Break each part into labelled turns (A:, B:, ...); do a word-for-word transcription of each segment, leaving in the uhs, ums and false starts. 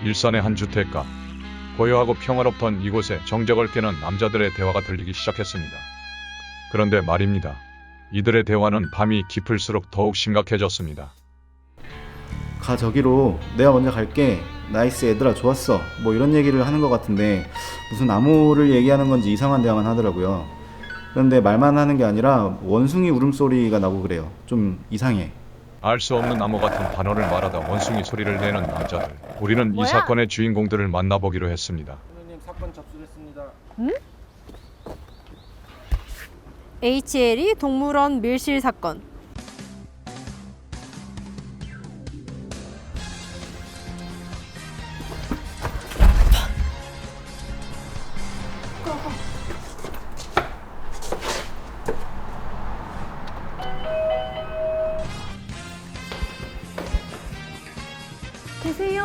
A: 일산의 한 주택가. 고요하고 평화롭던 이곳에 정적을 깨는 남자들의 대화가 들리기 시작했습니다. 그런데 말입니다. 이들의 대화는 밤이 깊을수록 더욱 심각해졌습니다.
B: 가 저기로, 내가 먼저 갈게, 나이스 얘들아 좋았어, 뭐 이런 얘기를 하는 것 같은데 무슨 나무를 얘기하는 건지 이상한 대화만 하더라고요. 그런데 말만 하는 게 아니라 원숭이 울음소리가 나고 그래요. 좀 이상해.
A: 알 수 없는 암호 같은 단어를 말하다 원숭이 소리를 내는 남자들. 우리는
C: 뭐야?
A: 이 사건의 주인공들을 만나보기로 했습니다.
D: 선생님, 사건 접수됐습니다.
C: 에이치엘이 동물원 밀실 사건. 계세요.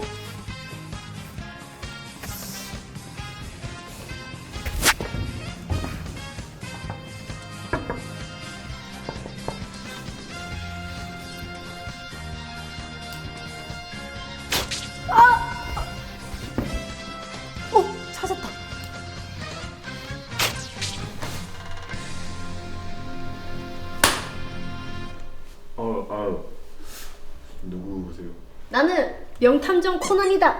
C: 어, 찾았다.
B: 어, 아, 누구세요?
C: 나는 명탐정 코난이다.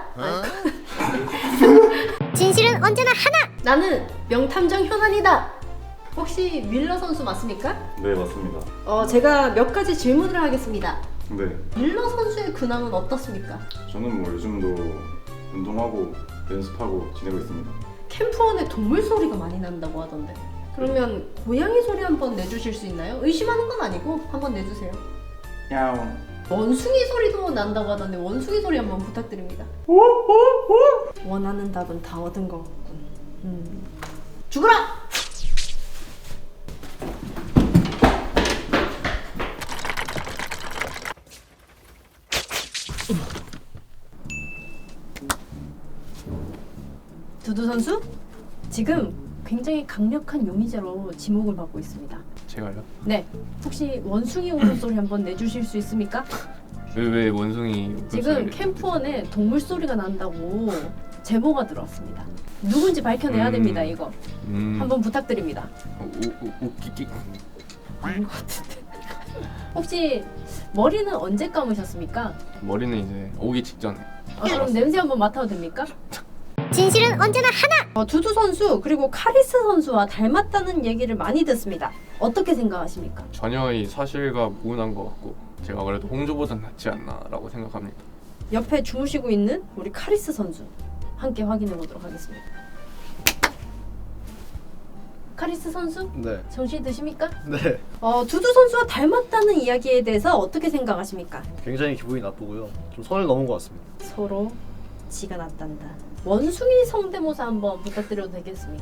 E: 진실은 언제나 하나!
C: 나는 명탐정 현안이다. 혹시 밀러 선수 맞습니까?
B: 네, 맞습니다.
C: 어, 제가 몇 가지 질문을 하겠습니다.
B: 네,
C: 밀러 선수의 근황은 어떻습니까?
B: 저는 뭐 요즘도 운동하고 연습하고 지내고 있습니다.
C: 캠프원에 동물 소리가 많이 난다고 하던데. 그러면 고양이 소리 한번 내주실 수 있나요? 의심하는 건 아니고 한번 내주세요.
B: 야옹.
C: 원숭이 소리도 난다고 하던데 원숭이 소리 한번 부탁드립니다. 원하는 답은 다 얻은 것 같군. 음. 죽어라! 두두 선수? 지금 굉장히 강력한 용의자로 지목을 받고 있습니다.
D: 제가요?
C: 네. 혹시 원숭이 울음소리 한번 내주실 수 있습니까?
D: 왜, 왜 원숭이
C: 지금
D: 울음소리를-
C: 캠프원에 동물 소리가 난다고 제보가 들어왔습니다. 누군지 밝혀내야
D: 음.
C: 됩니다. 이거
D: 음...
C: 한번 부탁드립니다.
D: 우, 우, 웃기기
C: 아닌 것 같은데. 혹시 머리는 언제 감으셨습니까?
D: 머리는 이제 오기 직전에.
C: 아, 그럼 냄새 한번 맡아도 됩니까?
E: 진실은 언제나 하나!
C: 어, 두두 선수 그리고 카리스 선수와 닮았다는 얘기를 많이 듣습니다. 어떻게 생각하십니까?
D: 전혀 이 사실과 무관한 것 같고 제가 그래도 홍조보단 낫지 않나라고 생각합니다.
C: 옆에 주무시고 있는 우리 카리스 선수 함께 확인해 보도록 하겠습니다. 카리스 선수?
F: 네.
C: 정신 드십니까?
F: 네.
C: 어, 두두 선수와 닮았다는 이야기에 대해서 어떻게 생각하십니까?
F: 굉장히 기분이 나쁘고요. 좀 선을 넘은 것 같습니다.
C: 서로 지가 났단다. 원숭이 성대모사 한번 부탁드려도 되겠습니까?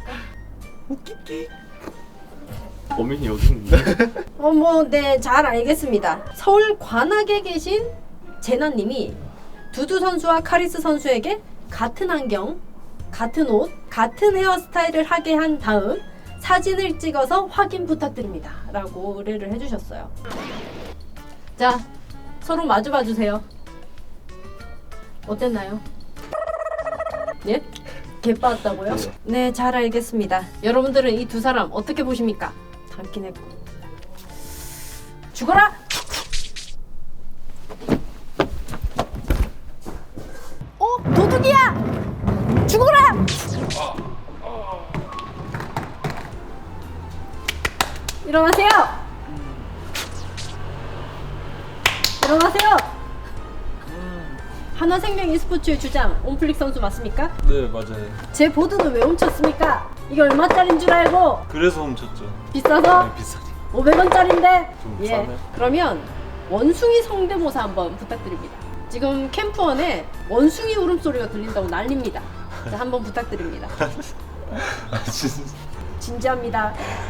D: 범인이 여기 있는데.
C: 어, 뭐, 네, 잘 알겠습니다. 서울 관악에 계신 제나님이 두두 선수와 카리스 선수에게 같은 안경, 같은 옷, 같은 헤어스타일을 하게 한 다음 사진을 찍어서 확인 부탁드립니다. 라고 의뢰를 해주셨어요. 자, 서로 마주 봐주세요. 어땠나요? 예? 개빠았다고요? 네, 잘 알겠습니다. 여러분들은 이 두 사람 어떻게 보십니까? 닮긴 했고. 죽어라! 어? 도둑이야! 죽어라! 일어나세요! 일어나세요! 한화생명 e스포츠의 주장 온플릭 선수 맞습니까?
G: 네, 맞아요.
C: 제 보드는 왜 훔쳤습니까? 이게 얼마짜린 줄 알고?
G: 그래서 훔쳤죠.
C: 비싸서?
G: 네, 비싸니.
C: 오백 원짜린데?
G: 좀
C: 예.
G: 싸네.
C: 그러면 원숭이 성대모사 한번 부탁드립니다. 지금 캠프원에 원숭이 울음소리가 들린다고 난립니다. 자, 한번 부탁드립니다.
G: 아, 진짜.
C: 진지합니다.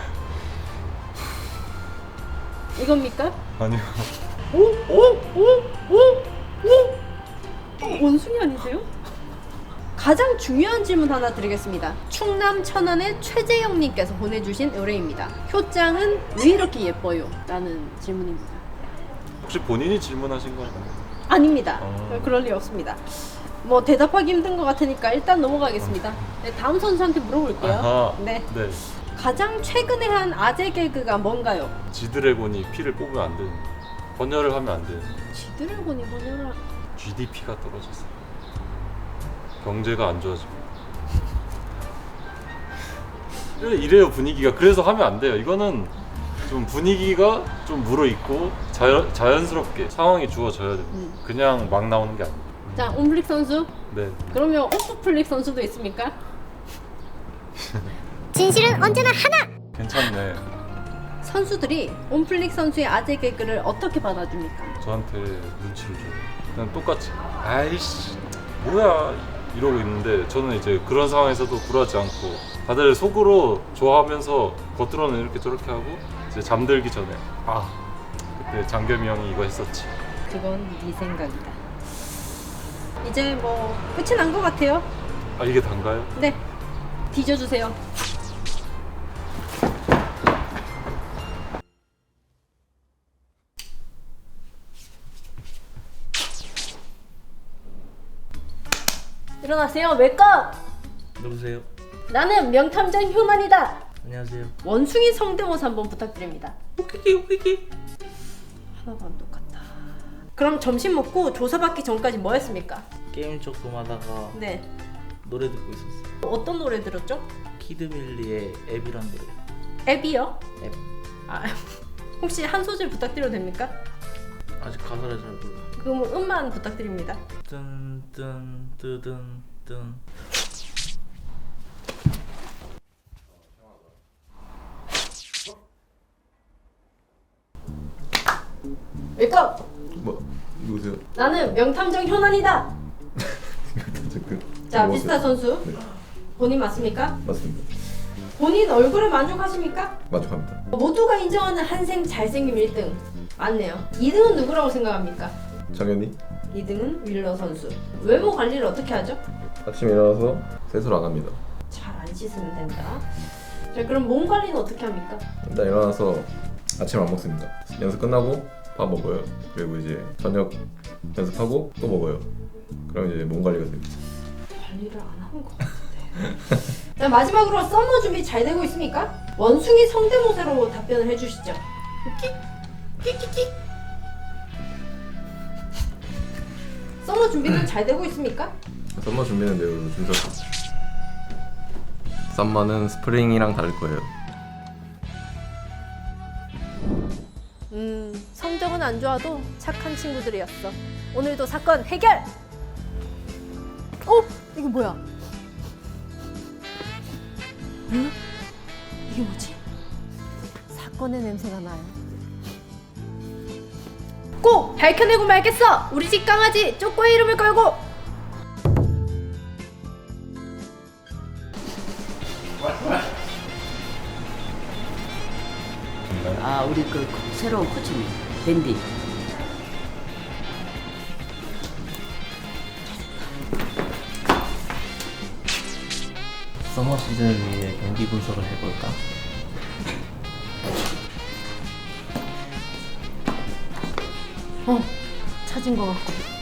C: 이겁니까?
G: 아니요.
C: 오? 오? 오? 오? 오? 어, 원숭이 아니세요? 가장 중요한 질문 하나 드리겠습니다. 충남 천안의 최재영님께서 보내주신 의뢰입니다. 효장은 왜 이렇게 예뻐요? 라는 질문입니다.
G: 혹시 본인이 질문하신 건가요?
C: 아닙니다.
G: 어.
C: 그럴 리 없습니다. 뭐 대답하기 힘든 것 같으니까 일단 넘어가겠습니다. 네, 다음 선수한테 물어볼게요.
G: 아하.
C: 네.
G: 네.
C: 가장 최근에 한 아재 개그가 뭔가요?
G: 지드래곤이 피를 뽑으면 안 되는. 번열을 하면 안 돼.
C: 지드래곤이 뭐냐?
G: 지디피가 떨어졌어. 경제가 안 좋아지고. 이래요 분위기가. 그래서 하면 안 돼요. 이거는 좀 분위기가 좀 무르익고 자연, 자연스럽게 상황이 주어져야 돼요.
C: 음.
G: 그냥 막 나오는 게 아니에요.
C: 자, 온플릭 선수.
G: 네.
C: 그러면 오프플릭 선수도 있습니까?
E: 진실은 언제나 하나.
G: 괜찮네.
C: 선수들이 온플릭 선수의 아재 개그를 어떻게 받아줍니까?
G: 저한테 눈치를 줘요. 그냥 똑같이 아이씨 뭐야 이러고 있는데 저는 이제 그런 상황에서도 굴하지 않고 다들 속으로 좋아하면서 겉으로는 이렇게 저렇게 하고 이제 잠들기 전에 아 그때 장겸이 형이 이거 했었지.
C: 그건 네 생각이다. 이제 뭐 끝이 난 것 같아요.
G: 아 이게 단가요?
C: 네, 뒤져주세요. 일어나세요. 메이크업!
H: 누구세요?
C: 나는 명탐정 휴먼이다.
H: 안녕하세요.
C: 원숭이 성대모사 한번 부탁드립니다.
H: 웃기기 웃기기.
C: 하나도 안 똑같다. 그럼 점심 먹고 조사받기 전까지 뭐 했습니까?
H: 게임 쪽 좀 하다가
C: 네.
H: 노래 듣고 있었어요.
C: 어떤 노래 들었죠?
H: 키드밀리의 앱이란 노래.
C: 앱이요?
H: 앱.
C: 아, 혹시 한 소절 부탁드려도 됩니까?
H: 아직 가사를 잘 몰라.
C: 그럼 음만 부탁드립니다.
H: 뜬뜬 뜨든 뜬.
C: 메이크업!
I: 뭐 누구세요?
C: 나는 명탐정 효난이다. 자, 비스타 선수.
I: 네.
C: 본인 맞습니까?
I: 맞습니다.
C: 본인 얼굴에 만족하십니까?
I: 만족합니다.
C: 모두가 인정하는 한생 잘생김 일 등 맞네요. 이 등은 누구라고 생각합니까?
I: 당연히
C: 이 등은 윌러 선수. 외모 관리를 어떻게 하죠?
I: 아침에 일어나서 세수를 안 합니다.
C: 잘 안 씻으면 된다. 자, 그럼 몸 관리는 어떻게 합니까?
I: 일단 일어나서 아침 안 먹습니다. 연습 끝나고 밥 먹어요. 그리고 이제 저녁 연습하고 또 먹어요. 그럼 이제 몸 관리가 됩니다.
C: 관리를 안 하는 것 같은데. 자, 마지막으로 썸머 준비 잘 되고 있습니까? 원숭이 성대모사로 답변을 해주시죠. 끼끼끼. 썸머 준비는 잘 되고 있습니까?
I: 썸머 준비는 매우 준수합니다. 썸머는 스프링이랑 다를 거예요.
C: 음, 성적은 안 좋아도 착한 친구들이었어. 오늘도 사건 해결! 어? 이거 뭐야? 응? 이게 뭐지? 사건의 냄새가 나요. 꼭 밝혀내고 말겠어! 우리 집 강아지 쪼꼬의 이름을 걸고!
J: 아, 우리 그 새로운 코치님 댄디.
H: 서머 시즌을 위해 경기 분석을 해볼까?
C: 어, 찾은 것 같고.